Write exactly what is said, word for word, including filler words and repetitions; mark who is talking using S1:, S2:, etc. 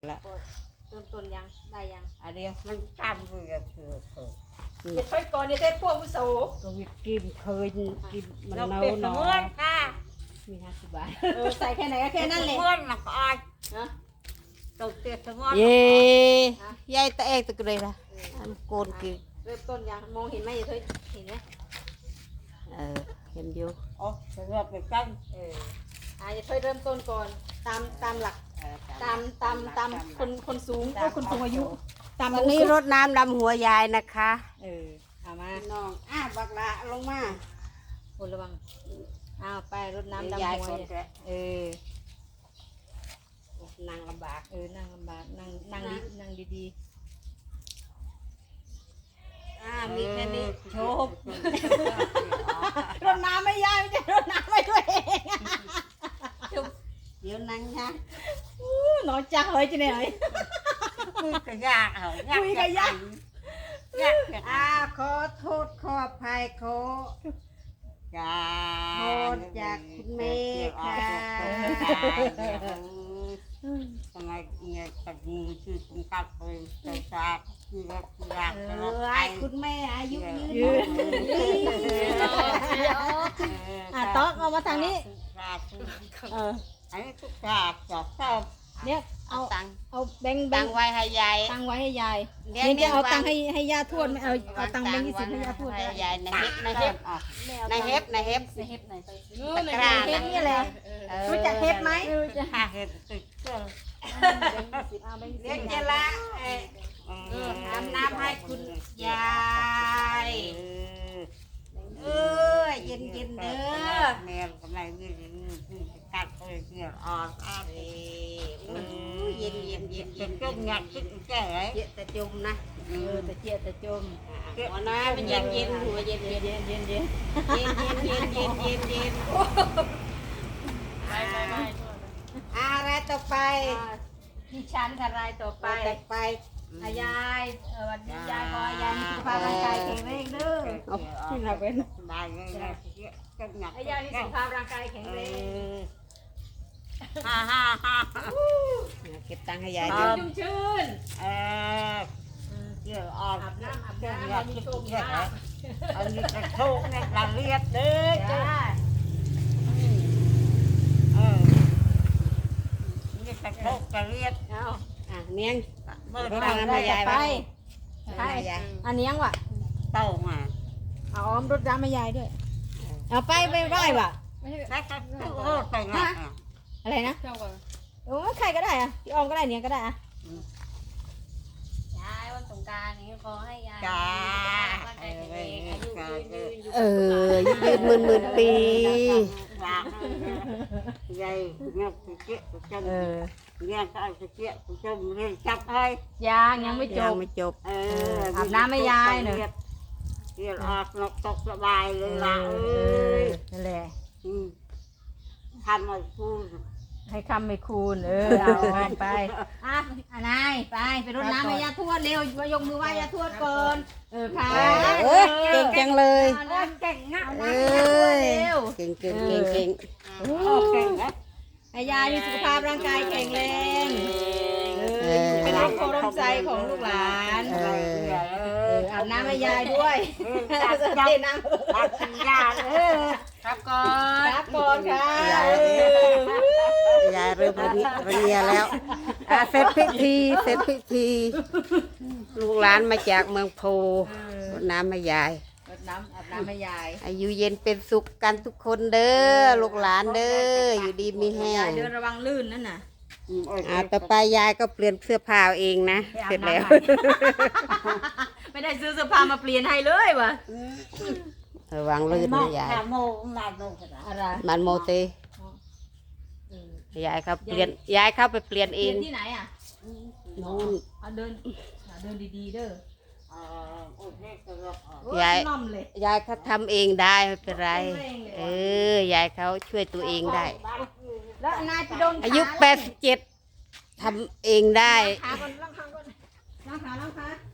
S1: ละ
S2: เริ่มต้นยังได้ยัง
S1: อันนี้มันจำเพื่อเพื่อเพื่อ
S2: เด็ดค่อยก่อนเนี่ยได้พวกมุโส
S1: ก็วิกิมเคยกินมัน
S2: เรา
S1: เน่า
S2: เป็ด
S1: หนอ
S2: เมื่อนค่ะ
S1: มีห้าสิบบาท
S2: เออใส่แค่ไหนก็แค่นั้นเลย
S1: เมื่อนหนักอ้อย
S2: นะ
S1: ตกเตี้ยเมื่อน
S3: เย่ยายตะเอกตะกเลยละอันโกนกิน
S2: เริ่มต้นยังมองเห็นไหมอย่าเธอเห็นไหม
S3: เออเห็นอยู่
S1: อ๋อจะเลือกไปกัน
S2: เอออ่าอย่าเธอเริ่มต้นก่อนตามตามหลักตามตามตามคนคนสูงก็คนสูงอายุตาม
S3: วันนี้รดน้ำดำหัวยายนะคะ
S2: เออเอามา
S3: น้องอ้าบักละลงมา
S2: คนระวังอ้าวไปรดน้ำ
S3: น้ำ
S2: ดำ
S3: ยาย
S2: หัว
S3: คน
S2: เนี่ย
S3: แกะ
S2: เออ
S3: นั่งลำบาก
S2: เออนั่งลำบากนั่งนั่งดีนั่งดี
S3: อ่ามีแค่นี้โชบ
S2: ๆรดน้ำไม่ยากไม่ใช่รดน้ำไม่ด้วยเอง
S3: เดี๋ยวนั่งนะ
S2: อู้น้อยจังเลยจีเนี่ย
S1: คุยกับยากเหรอ
S2: คุยกับยาก
S1: ยาก
S3: อ่าขอโทษขออภัยขอ
S1: จ้า
S3: โทษจากคุณแม่ค่ะ
S1: ทำไมเนี่ยตัดมือชื่อคุณกัดไปใส่ซากคือว่าคืออยาก
S3: เอ
S1: จะรับ
S3: อ
S1: ไป
S3: ไอ้คุณแม่อายุยืน
S2: ยืน
S1: อ่ะ
S2: อ่ะต๊อกเอามาทางนี้ เออ
S1: อันนี้ทุกศาสตร์สอบสอบ
S2: เนี่ย
S3: เอา
S2: เอา
S3: ตังค์
S2: เอาแบงค์แบ
S3: ตั
S2: ง
S3: ง
S2: ค์
S3: ค์ไว้ให้ยาย
S2: ตังค์ไว้ให้ยาย
S3: เดี๋ยว
S2: นี่จะเอา
S3: วาง
S2: ตังค์ให้ให้ย่าทวดไหมเอาเอาตังค์แบงค์ยี่สิบให้ย่าทวด
S3: ให้
S2: ก็ได้
S3: ยายในเฮ็บในเฮ็บ
S1: อ่ะ
S3: ในเฮ็บในเฮ็บ
S2: ในเฮ็บไหน
S3: ตะกร้า
S2: เฮ็บนี่แหละ
S3: เออ
S2: รู้จักเฮ็บไหมรู้จัก
S1: ห้าเห็ดติดเสื้อ
S2: แบงค์ยี่สิบเอาแบงค์ยี่
S3: เลี้ยง
S2: สิบ
S3: เจละเอ่อ
S1: เออ
S3: อาบน้ำให้คุณยาย
S1: เอ
S3: เอ
S1: อ
S3: อเย็นเย็นๆเด้อ
S1: แม่กำไรเงี้ยคือกัดไปเงี้ยอ่อนอ่อน
S3: เอ้ยเย็นเย็นเย็น
S1: เป็
S3: เย็
S1: น
S3: น
S1: จุ่มหยัดขึ้นแก่
S3: เย็นแต่จุ่มนะ
S2: เออแต่เจี๊ยแต่จม
S3: หัวน้ำมันเย็นเย็นหัวเย็นเย็น
S2: เย็นเย็นเย็น
S3: เย็นเย็นเย็นเย็นเย็นเย็น
S2: ไปไปไป
S3: อะไรต่อไป
S2: ดิฉันทรายต่อไป
S3: ไปต่อไป
S2: อายายเออวันนี้ยายขอให้ยายมีสุขภาพร่างกายแข็งแรงเด้อ
S1: ที่เราเป็นได้เลยนะจุ่มหยัด
S2: ให้ยายมีสุขภาพร่างกายแข็งแรง
S1: ฮ่าฮ่าฮ่า
S3: เก็บตังค์ให้ยาย
S2: ชุ่
S3: ด้
S2: ม
S3: วย
S2: ชื่น
S1: เออเกี่ยวอ่อน
S2: อาบน้ำอาบ
S1: เกี่ยว
S2: น้ำ
S1: หยั
S2: ให้
S1: ด
S2: มี
S1: ขึ้น
S2: โชค
S1: แก่
S2: ลาภ
S1: อันนี้กระโชกเนี่ยละเลียดเด้อ
S2: จ้า
S1: เออนี่กระโชกกระเลียด
S2: เอา
S3: อ่ะเนียง
S1: เมื่อ
S3: รด
S1: ไหร่
S3: น้ำให้ยาย
S2: ไป
S3: บ้าง
S2: ไป
S3: ให้ยาย
S2: อันนี้ยังวะ
S1: เต้ามา
S2: เอาอ้อมรถน้ำให้ยายด้วย เอาไปไปไหว้วะ
S1: แล้วก็โคตรไปนะ
S2: อะไรนะโอ้ใครก็ได้อะพี่ออมก็ได้เนี่ยก็ได้อะ
S4: ยายวันสงกรานต์นี้ขอให้ยาย
S1: จ้า
S4: ร่างกายแข็งแรงอายุยืนยืนอยู่
S3: เออยืนหมื่นหมื่นปี
S1: ฝากยายเงี้ยสุเกี้ยสุจม
S2: เออ
S1: เงี้ยก็สุเกี้ยสุจมเรียนจับให้
S2: ยังยังไม่จ
S3: ยัง
S2: บ
S3: ไม่จบ
S1: เออ
S2: อาบน้ำให้ยายหน่อย
S1: เรียนออกนกตกสบายเลยล่ะเอ
S2: เอ้
S1: ย
S2: นั่นแหละ
S1: ทำมาพูด
S2: ให้คำไม่คูณเออเอาไปอ่ะอ่ะนายไปไปรดน้ำให้ยาทวดเร็วมายกมือไหว้ยาทวดก่อนเออค่ะ
S3: เอ้ยเก่งจังเลย
S2: เอาน้ำเก่งงะ
S3: เอ
S2: น้ำให้ยาทวด้
S3: ย
S2: เร็ว
S3: เก่งเก่งเก่งเก่ง
S1: โอเคนะ
S2: ให้ยายมีสุขภาพร่างกายแข็งแรง
S3: เออ
S2: เป็นร่มโพร่มใจของลูกหลาน
S3: เออ
S2: เอออาบน้ำให้ยายด้วย
S1: จับ
S2: เท
S1: จับ
S2: น้ำ
S1: จับกินยาเออ
S2: ครับก่อนครับก่อนค่ะเออย
S3: ายเริ่มระเนียระเนียแล้วอ่ะเสร็จพิธีเสร็จพิธี ลูกหลานมาจากเมืองโพรดน้ำให้ยาย
S2: รดน้ำอาบน้ำให้ยาย
S3: อายุเย็นเป็นสุขกันทุกคนเด้อลูกหลานเด้ออยู่ดีมีแห้
S2: ยาย
S3: ง
S2: เดินระวังลื่นนั่นน่ะ
S3: อ่าต่อไปยายก็เปลี่ยนเสื้อผ้าเอาเองนะ
S2: ไปอา
S3: เสร็
S2: บ
S3: จแล้ว
S2: น้ำใหม่ไม่ได้ซื้อเสื้อผ้ามาเปลี่ยนให้เลยวะ
S3: ระวังลื่นนะยาย
S1: ขาโมมาโมกระ
S2: อะไร
S3: มันโมเตยายเขาเปลี่ยนยายเข้าไปเปลี่ยน
S2: เป
S3: เอ
S2: ลี่ย
S3: ง
S2: นที่ไหนอ่ะ
S3: นู่น
S2: เอาเดินเอาเดินดีๆเด้อ
S1: เออโอ้ยกระรอก
S2: โอ้
S3: ยาย
S2: น่อมเลย
S3: ยายเขาทำเองได้ไม่เป็นไร เออยายเขาช่วยตัวเองได้
S2: แล้วนายไปโดน
S3: อายุแปดสิบเจ็ดทำเองได้
S2: ขาก่อนล้างขาก่อนล้างขาล้างขา